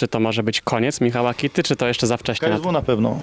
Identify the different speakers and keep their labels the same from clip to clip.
Speaker 1: czy to może być koniec Michała Kitty, czy to jeszcze za wcześnie?
Speaker 2: KSW na pewno.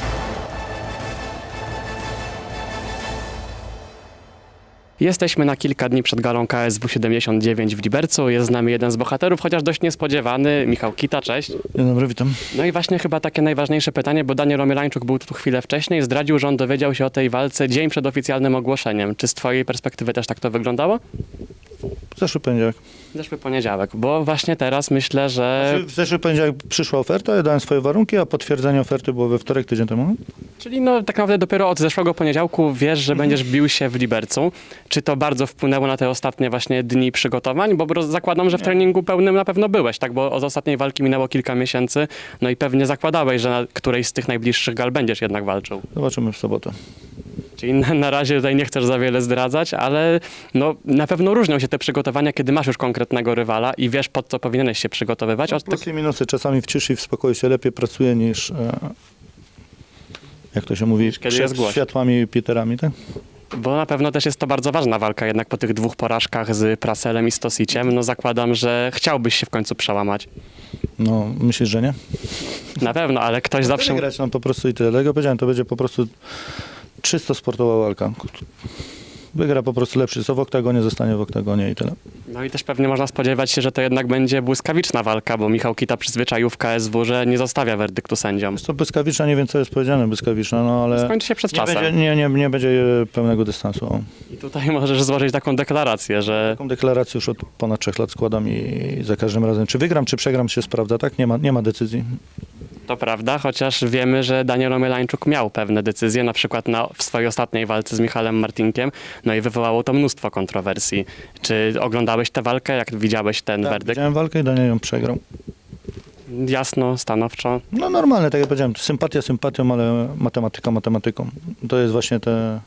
Speaker 1: Jesteśmy na kilka dni przed galą KSW 79 w Libercu. Jest z nami jeden z bohaterów, chociaż dość niespodziewany, Michał Kita, cześć.
Speaker 2: Dzień dobry, witam.
Speaker 1: No i właśnie chyba takie najważniejsze pytanie, bo Daniel Omylańczuk był tu chwilę wcześniej, zdradził, że on dowiedział się o tej walce dzień przed oficjalnym ogłoszeniem. Czy z twojej perspektywy też tak to wyglądało?
Speaker 2: Zeszły poniedziałek.
Speaker 1: Zeszły poniedziałek, bo właśnie teraz myślę, że...
Speaker 2: W zeszły poniedziałek przyszła oferta, ja dałem swoje warunki, a potwierdzenie oferty było we wtorek, tydzień temu.
Speaker 1: Czyli no tak naprawdę dopiero od zeszłego poniedziałku wiesz, że będziesz bił się w Libercu. Czy to bardzo wpłynęło na te ostatnie właśnie dni przygotowań? Bo zakładam, że w treningu pełnym na pewno byłeś, tak? Bo od ostatniej walki minęło kilka miesięcy, no i pewnie zakładałeś, że na którejś z tych najbliższych gal będziesz jednak walczył.
Speaker 2: Zobaczymy w sobotę.
Speaker 1: Czyli na razie tutaj nie chcesz za wiele zdradzać, ale no, na pewno różnią się te przygotowania, kiedy masz już konkretnego rywala i wiesz, pod co powinieneś się przygotowywać.
Speaker 2: Plusy i minusy. Czasami w ciszy i w spokoju się lepiej pracuje niż, jak to się mówi,
Speaker 1: kiedy jest
Speaker 2: przed
Speaker 1: głośno.
Speaker 2: światłami i Peterami, tak?
Speaker 1: Bo na pewno też jest to bardzo ważna walka, jednak po tych dwóch porażkach z Praselem i Stosiciem, no zakładam, że chciałbyś się w końcu przełamać.
Speaker 2: No, myślisz, że nie?
Speaker 1: Na pewno, ale ktoś zawsze...
Speaker 2: Wygrać nam po prostu i tyle. Dlatego powiedziałem, to będzie po prostu czysto sportowa walka. Wygra po prostu lepszy, co w oktagonie zostanie w oktagonie i tyle.
Speaker 1: No i też pewnie można spodziewać się, że to jednak będzie błyskawiczna walka, bo Michał Kita przyzwyczaił w KSW, że nie zostawia werdyktu sędziom.
Speaker 2: Jest to błyskawiczna, nie wiem co jest powiedziane błyskawiczna, no ale
Speaker 1: Skończy się przed
Speaker 2: nie
Speaker 1: czasem.
Speaker 2: będzie, nie będzie pełnego dystansu. O.
Speaker 1: I tutaj możesz złożyć taką deklarację, że
Speaker 2: Taką deklarację już od ponad 3 lat składam i za każdym razem, czy wygram, czy przegram, się sprawdza, tak? Nie ma decyzji.
Speaker 1: to prawda, chociaż wiemy, że Daniel Omylańczuk miał pewne decyzje, na przykład w swojej ostatniej walce z Michałem Martinkiem, no i wywołało to mnóstwo kontrowersji. Czy oglądałeś tę walkę, jak widziałeś ten
Speaker 2: Tak,
Speaker 1: werdykt?
Speaker 2: widziałem walkę i Daniel ją przegrał.
Speaker 1: Jasno, stanowczo.
Speaker 2: No normalne, tak jak powiedziałem, sympatia sympatią, ale matematyka matematyką. To jest właśnie te...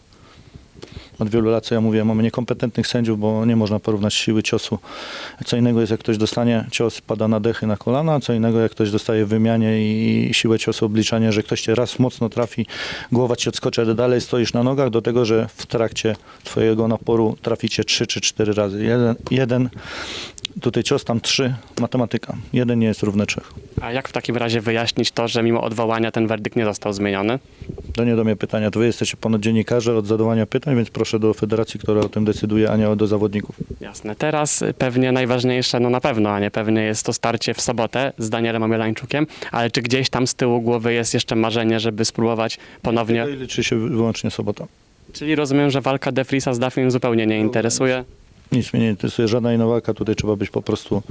Speaker 2: Od wielu lat, co ja mówię, mamy niekompetentnych sędziów, bo nie można porównać siły ciosu. Co innego jest, jak ktoś dostanie cios, pada na dechy, na kolana, co innego, jak ktoś dostaje w wymianie i siłę ciosu, obliczanie, że ktoś cię raz mocno trafi, głowa ci odskoczy, ale dalej stoisz na nogach, do tego, że w trakcie twojego naporu trafi cię 3 czy 4 razy. Jeden tutaj cios, tam 3, matematyka. 1 nie jest równy 3.
Speaker 1: A jak w takim razie wyjaśnić to, że mimo odwołania ten werdykt nie został zmieniony?
Speaker 2: To nie do mnie pytania. To wy jesteście ponad dziennikarze od zadawania pytań, więc proszę do federacji, która o tym decyduje, a nie do zawodników.
Speaker 1: Jasne. Teraz pewnie najważniejsze, no na pewno, a nie pewnie jest to starcie w sobotę z Danielem Omylańczukiem, ale czy gdzieś tam z tyłu głowy jest jeszcze marzenie, żeby spróbować ponownie?
Speaker 2: I liczy się wyłącznie sobota.
Speaker 1: Czyli rozumiem, że walka De Vriesa z Duffym zupełnie nie interesuje.
Speaker 2: Nic mnie nie interesuje, żadna inna walka. Tutaj trzeba być po prostu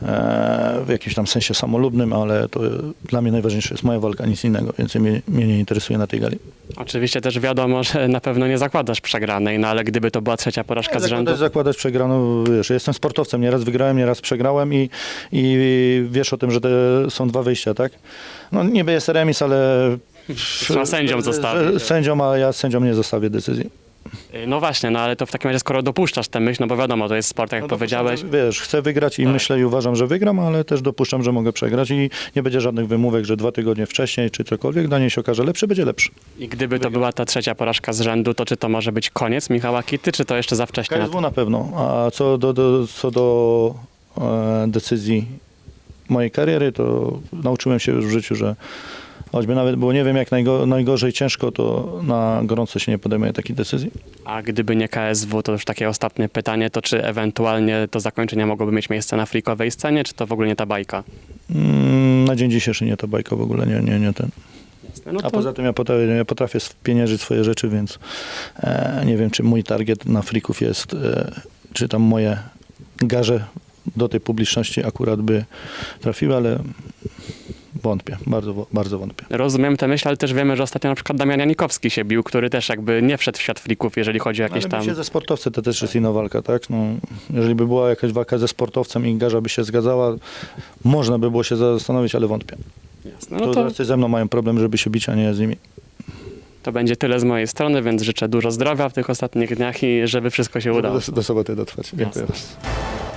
Speaker 2: w jakimś tam sensie samolubnym, ale to dla mnie najważniejsze jest moja walka, nic innego, więc mnie nie interesuje na tej gali.
Speaker 1: Oczywiście też wiadomo, że na pewno nie zakładasz przegranej, no ale gdyby to była trzecia porażka z rzędu...
Speaker 2: Zakładać przegraną, wiesz, jestem sportowcem, nieraz wygrałem, nieraz przegrałem i wiesz o tym, że to są 2 wyjścia, tak? No niby jest remis, ale...
Speaker 1: Trzeba sędziom zostawić.
Speaker 2: Sędziom, a ja sędziom nie zostawię decyzji.
Speaker 1: No właśnie, no ale to w takim razie skoro dopuszczasz tę myśl, no bo wiadomo, to jest sport, jak powiedziałeś.
Speaker 2: Wiesz, chcę wygrać i
Speaker 1: Tak.
Speaker 2: myślę i uważam, że wygram, ale też dopuszczam, że mogę przegrać i nie będzie żadnych wymówek, że 2 tygodnie wcześniej czy cokolwiek, Daniel się okaże lepszy, będzie lepszy.
Speaker 1: I gdyby to była ta trzecia porażka z rzędu, to czy to może być koniec Michała Kitty, czy to jeszcze za wcześnie?
Speaker 2: KSW na pewno, a co do decyzji mojej kariery, to nauczyłem się już w życiu, że choćby nawet było nie wiem jak najgorzej, ciężko, to na gorąco się nie podejmuje takiej decyzji.
Speaker 1: A gdyby nie KSW, to już takie ostatnie pytanie, to czy ewentualnie to zakończenie mogłoby mieć miejsce na freakowej scenie, czy to w ogóle nie ta bajka?
Speaker 2: Na dzień dzisiejszy nie ta bajka w ogóle, nie ten.
Speaker 1: No
Speaker 2: A poza tym ja potrafię spieniężyć swoje rzeczy, więc nie wiem, czy mój target na freaków jest, czy tam moje garze do tej publiczności akurat by trafiły, ale wątpię, bardzo wątpię.
Speaker 1: Rozumiem tę myśl, ale też wiemy, że ostatnio na przykład Damian Janikowski się bił, który też jakby nie wszedł w świat freaków, jeżeli chodzi o jakieś
Speaker 2: Ale
Speaker 1: tam...
Speaker 2: się ze sportowcem to też jest inna walka, tak? No, jeżeli by była jakaś walka ze sportowcem i garza by się zgadzała, można by było się zastanowić, ale wątpię.
Speaker 1: Jasne, no
Speaker 2: To ze mną mają problem, żeby się bić, a nie z nimi.
Speaker 1: to będzie tyle z mojej strony, więc życzę dużo zdrowia w tych ostatnich dniach i żeby wszystko się udało.
Speaker 2: Do soboty dotrwać. Dziękuję.
Speaker 1: Jasne.